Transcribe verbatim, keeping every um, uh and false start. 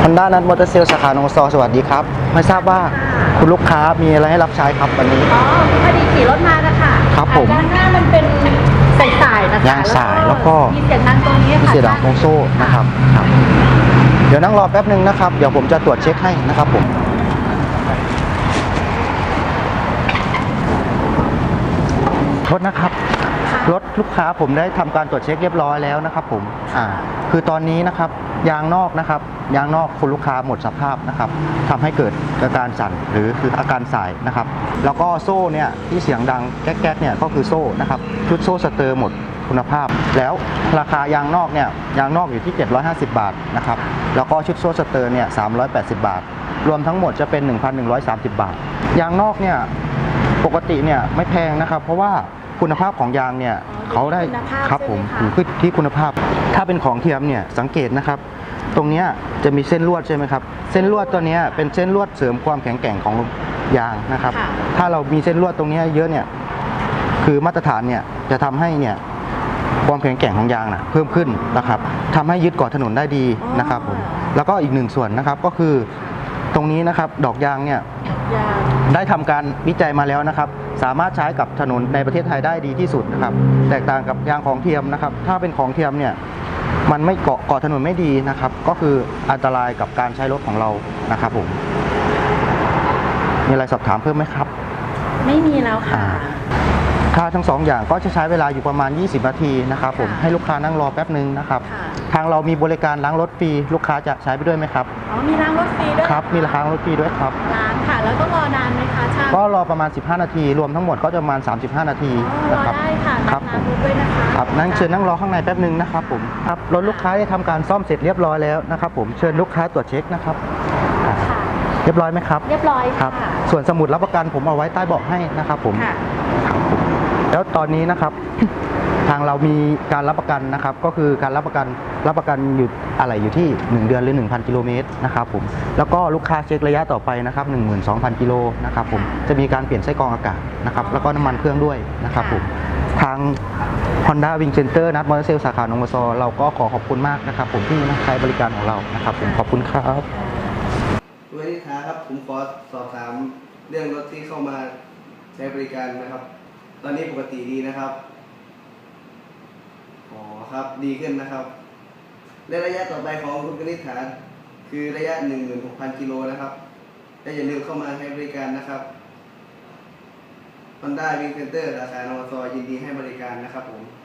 Honda นัทมอเตอร์เซลสาขานงซอสวัสดีครับไม่ทราบว่าคุณลูกค้ามีอะไรให้รับใช้ครับวันนี้อ๋อพอดีขี่รถมานะคะครับผมด้านหน้ามันเป็นสายๆนะคะยางสายแล้วก็มีเสียงดังตรงนี้ค่ะเสียงดังตรงโซ่นะครับครับเดี๋ยวนั่งรอแป๊บนึงนะครับเดี๋ยวผมจะตรวจเช็คให้นะครับผมโทษนะครับรถลูกค้าผมได้ทำการตรวจเช็คเรียบร้อยแล้วนะครับผมอ่าคือตอนนี้นะครับยางนอกนะครับยางนอกคุณลูกค้าหมดสภาพนะครับทำให้เกิดอาการสั่นหรือคืออาการสายนะครับแล้วก็โซ่เนี่ยที่เสียงดังแก๊กๆเนี่ยก็คือโซ่นะครับชุดโซ่สเตอร์หมดคุณภาพแล้วราคายางนอกเนี่ยยางนอกอยู่ที่เจ็ดร้อยห้าสิบบาทนะครับแล้วก็ชุดโซ่สเตอร์เนี่ยสามร้อยแปดสิบบาทรวมทั้งหมดจะเป็น หนึ่งพันหนึ่งร้อยสามสิบ บาทยางนอกเนี่ยปกติเนี่ยไม่แพงนะครับเพราะว่าคุณภาพของยางเนี่ยเขาได้ครับผมอยู่ที่คุณภาพถ้าเป็นของเทียมเนี่ยสังเกตนะครับตรงนี้จะมีเส้นลวดใช่ไหมครับเส้นลวดตัวนี้เป็นเส้นลวดเสริมความแข็งแกร่งของยางนะครับถ้าเรามีเส้นลวดตรงนี้เยอะเนี่ยคือมาตรฐานเนี่ยจะทำให้เนี่ยความแข็งแกร่งของยางนะเพิ่มขึ้นนะครับทำให้ยึดเกาะถนนได้ดีนะครับผมแล้วก็อีกหนึ่งส่วนนะครับก็คือตรงนี้นะครับดอกยางเนี่ยได้ทำการวิจัยมาแล้วนะครับสามารถใช้กับถนนในประเทศไทยได้ดีที่สุดนะครับแตกต่างกับยางของเทียมนะครับถ้าเป็นของเทียมเนี่ยมันไม่เกาะเกาะถนนไม่ดีนะครับก็คืออันตรายกับการใช้รถของเรานะครับผมมีอะไรสอบถามเพิ่มไหมครับไม่มีแล้วค่ะค่าทั้งสองอย่างก็จะใช้เวลาอยู่ประมาณยี่สิบนาทีนะครับผมให้ลูกค้านั่งรอแป๊บนึงนะครับทางเรามีบริการล้างรถฟรีลูกค้าจะใช้ไปด้วยไหมครับอ๋อมีล้างรถฟรีด้วยครับมีล้างรถฟรีด้วยครับล้างค่ะแล้วต้องรอนานไหมคะช่างก็รอประมาณสิบห้านาทีรวมทั้งหมดก็จะประมาณสามสิบห้านาทีนะครับได้ค่ะครับน้ำด้วยนะคะครับนั่งเชิญนั่งรอข้างในแป๊บนึงนะครับผมครับรถลูกค้าได้ทำการซ่อมเสร็จเรียบร้อยแล้วนะครับผมเชิญลูกค้าตรวจเช็คนะครับเรียบร้อยไหมครับเรียบร้อยครับส่วนสมุดรับประกันผมเอาไว้ใต้เบาะให้นะครับผมแล้วตอนนี้นะครับทางเรามีการรับประกันนะครับก็คือการรับประกันรับประกันอยู่อะไรอยู่ที่หนึ่งเดือนหรือ หนึ่งพัน กิโลเมตรนะครับผมแล้วก็ลูกค้าเช็คระยะต่อไปนะครับ หนึ่งหมื่นสองพัน กิโลนะครับผมจะมีการเปลี่ยนไส้กรองอากาศนะครับแล้วก็น้ำมันเครื่องด้วยนะครับผมทาง Honda Wing Center นัทมอเตอร์เซลสาขานงซอเราก็ขอขอบคุณมากนะครับผมที่ใช้บริการของเรานะครับผมขอบคุณครับสวัสดีครับผมขอสอบถามเรื่องรถที่เข้ามาใช้บริการนะครับตอนนี้ปกติดีนะครับอ๋อครับดีขึ้นนะครับและระยะต่อไปของคุณกนิษฐาคือระยะ หนึ่งหมื่นหกพัน กิโลนะครับและอย่าลืมเข้ามาใช้บริการนะครับ Honda Wing Center สาขานงซอยินดีให้บริการนะครับผม